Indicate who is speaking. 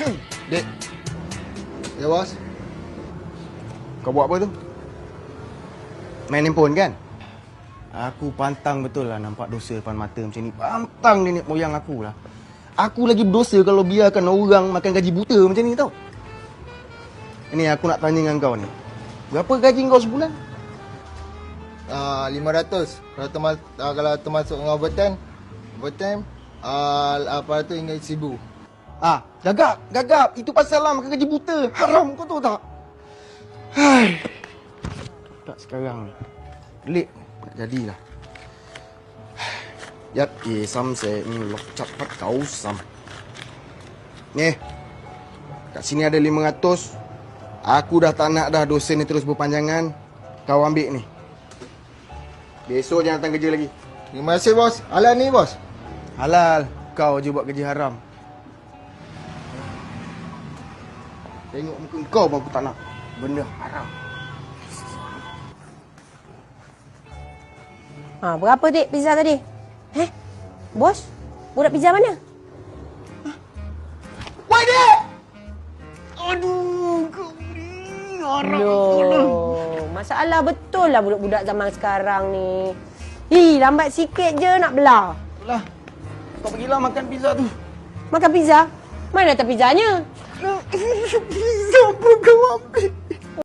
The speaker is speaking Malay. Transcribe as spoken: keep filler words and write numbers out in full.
Speaker 1: Dek. Ya, bos.
Speaker 2: Kau buat apa tu? Main handphone kan? Aku pantang betul lah nampak dosa depan mata macam ni. Pantang nenek moyang aku lah. Aku lagi berdosa kalau biarkan orang makan gaji buta macam ni tau. Ini aku nak tanya dengan kau ni. Berapa gaji kau sebulan?
Speaker 1: Ah, lima ratus. Kalau termas uh, kalau termasuk dengan overtime, overtime ah uh, apa tu hingga seribu.
Speaker 2: Ah, gagap, gagap. Itu pasal lah makan gaji buta. Haram kau tahu tak? Hai. Tak sekarang ni. Pelik nak jadilah. Yat ye sam se lok cepat kau sam. Ni. Kat sini ada lima ratus. Aku dah tak nak dah dosa ni terus berpanjangan. Kau ambil ni. Besok jangan datang kerja lagi.
Speaker 1: Terima kasih, bos. Halal ni, bos.
Speaker 2: Halal. Kau je buat kerja haram. Tengok muka kau pun aku tak nak. Benda haram.
Speaker 3: Ha, berapa dek pizza tadi? Eh? Bos? Budak pizza mana?
Speaker 2: Woi, dek! Aduh, kau ni haram.
Speaker 3: Loh, masalah betul lah budak-budak zaman sekarang ni. Hi, lambat sikit je nak belah.
Speaker 2: Itulah. Kau pergilah makan pizza tu.
Speaker 3: Makan pizza? Mana datang pizzanya?
Speaker 2: Pizza pun kau ambil.